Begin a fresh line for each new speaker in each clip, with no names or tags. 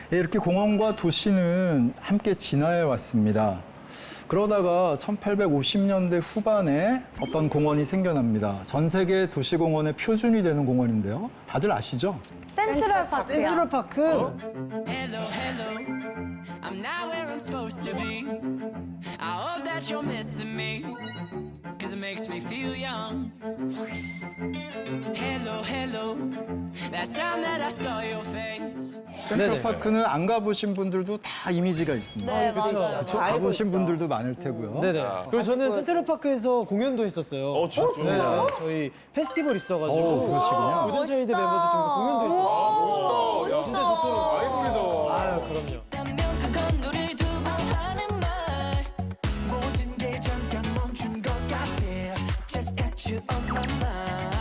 예, 이렇게 공원과 도시는 함께 진화해 왔습니다. 그러다가 1850년대 후반에 어떤 공원이 생겨납니다. 전 세계 도시공원의 표준이 되는 공원인데요. 다들 아시죠?
센트럴파크요.
센트럴파크.
Hello, hello. I'm not where I'm supposed to be. I hope that you're missing me. Cause it makes me feel young. Hello, hello. Last time that I saw your face.
센트럴파크는 안 가보신 분들도 다 이미지가 있습니다.
네,
그쵸.
맞아요.
그렇죠? 가보신 분들도 많을 테고요.
네네. 그리고 저는 센트럴파크에서 공연도 했었어요.
진짜?
네, 저희 페스티벌 있어가지고.
그러시군요.
고전차이드 멤버들 중에서 공연도 했었어요. 진짜 좋더라고요.
아이돌이다.
아유, 그럼요.
완벽한 거리를 두고 하는 말.
모든 게 잠깐 멈춘 것 같아. Just got you on my mind.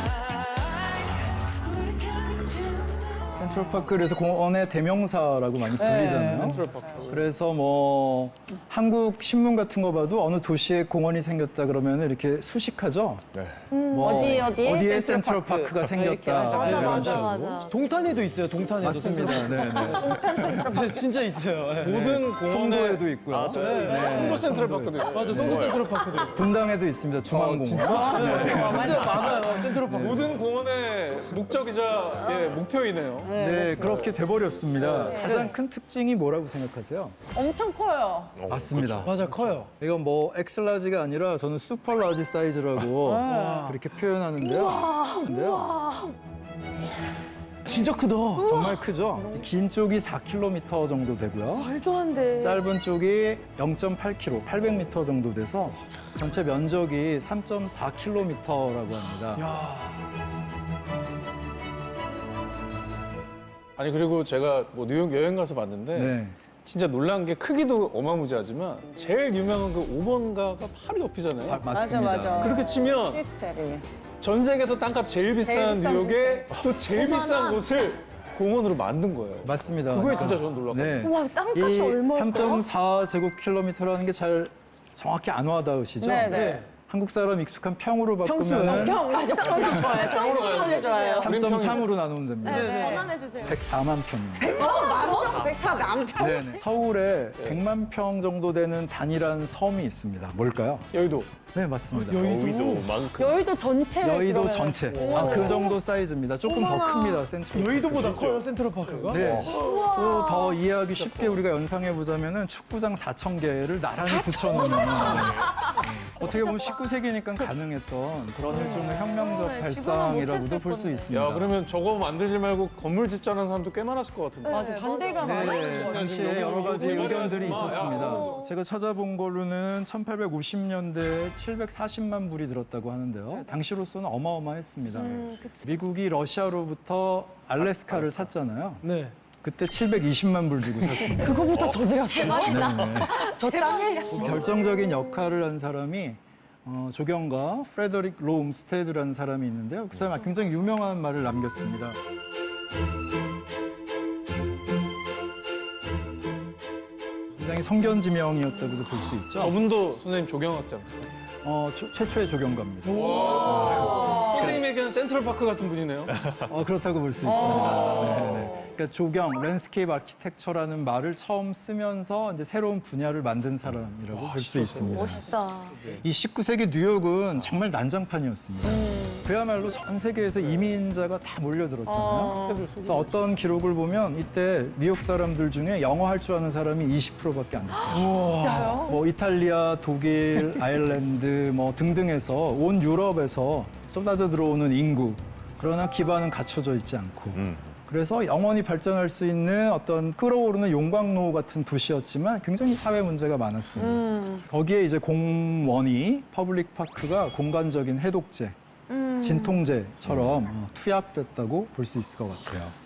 We're coming to
센트럴파크 그래서 공원의 대명사라고 많이 불리잖아요.
센트럴파크.
그래서 뭐 한국 신문 같은 거 봐도 어느 도시에 공원이 생겼다 그러면 이렇게 수식하죠.
네.
뭐
어디에
센트럴파크가 생겼다.
맞아,
이런
맞아,
식으로.
맞아.
동탄에도 있어요, 동탄에도.
맞습니다. 네, 네.
네, 진짜 있어요. 네.
모든 공원에
송도에도 있고요.
송도 센트럴파크도 있고.
맞아, 송도 센트럴파크도 있고.
분당에도 있습니다. 중앙공원.
진짜 많아요, 센트럴파크.
모든 공원의 목적이자 목표이네요.
네, 그렇게 돼버렸습니다. 가장 큰 특징이 뭐라고 생각하세요?
엄청 커요.
맞습니다.
맞아, 커요.
이건 뭐 엑스라지가 아니라 저는 슈퍼라지 사이즈라고 그렇게 표현하는데요.
진짜 크다.
정말 크죠? 긴 쪽이 4km 정도 되고요.
말도 안 돼.
짧은 쪽이 0.8km, 800m 정도 돼서 전체 면적이 3.4km라고 합니다.
아니 그리고 제가 뭐 뉴욕 여행 가서 봤는데
네.
진짜 놀란 게 크기도 어마무지하지만 제일 유명한 그 5번가가 바로 옆이잖아요.
맞습니다.
맞아.
그렇게 치면
시스템이.
전 세계에서 땅값 제일 비싼
비싼
뉴욕에 또 제일 비싼 곳을 공원으로 만든 거예요.
맞습니다.
그거에 진짜 저는 놀랐거든요.
네.
와, 땅값이
이
얼마일까요?
3.4제곱킬로미터라는 게 잘 정확히 안 와닿으시죠?
네,
네.
네.
한국 사람 익숙한 평으로
평수요?
바꾸면
평, 맞아. 평이 좋아요. 평이 좋아요.
3.3으로 나누면 됩니다.
네, 전환해주세요.
104만 평입니다.
104 남편.
네네. 서울에 100만 평 정도 되는 단일한 섬이 있습니다. 뭘까요?
여의도.
네, 맞습니다.
여의도만큼.
여의도 전체를
여의도
그러면-
전체. 그 정도 사이즈입니다. 조금 더
어머나.
큽니다, 센트럴.
여의도보다 커요, 센트럴파크가?
네. 또 더 이해하기 쉽게 우리가 연상해 보자면은 축구장 4,000개를 나란히 붙여놓는. 어떻게 보면 19세기니까 가능했던 그런 일종의 혁명적
지금은
발상이라고도
못했을
볼 수
건데.
있습니다.
야 그러면 저거 만들지 말고 건물 짓자는 사람도 꽤 많았을 것 같은데.
맞아, 반대가
네,
많아요.
당시에 여러 가지 의견들이 있었습니다.
야.
제가 찾아본 걸로는 1850년대에 740만 불이 들었다고 하는데요. 당시로서는 어마어마했습니다.
그치.
미국이 러시아로부터 알래스카를 샀잖아요.
네.
그때 720만 불 주고 샀습니다.
그거보다 더 드렸어요. 저 땅에.
결정적인 역할을 한 사람이 조경가 프레더릭 롬스테드라는 사람이 있는데요. 그 사람이 굉장히 유명한 말을 남겼습니다. 굉장히 성견지명이었다고도 볼 수 있죠.
저분도 선생님 조경학자입니다.
최초의 조경가입니다.
선생님에게는 센트럴파크 같은 분이네요.
그렇다고 볼 수 있습니다. 네네. 그러니까 조경, 랜드스케이프 아키텍처라는 말을 처음 쓰면서 이제 새로운 분야를 만든 사람이라고 볼 수 있습니다.
멋있다.
이 19세기 뉴욕은 정말 난장판이었습니다. 그야말로 전 세계에서 이민자가 다 몰려들었잖아요. 그래서 어떤 기록을 보면 이때 뉴욕 사람들 중에 영어 할 줄 아는 사람이 20%밖에 안 됐어요.
진짜요?
뭐 이탈리아, 독일, 아일랜드 뭐 등등에서 온 유럽에서 쏟아져 들어오는 인구. 그러나 기반은 갖춰져 있지 않고. 그래서 영원히 발전할 수 있는 어떤 끌어오르는 용광로 같은 도시였지만 굉장히 사회 문제가 많았습니다. 거기에 이제 공원이 퍼블릭 파크가 공간적인 해독제, 진통제처럼 투약됐다고 볼 수 있을 것 같아요.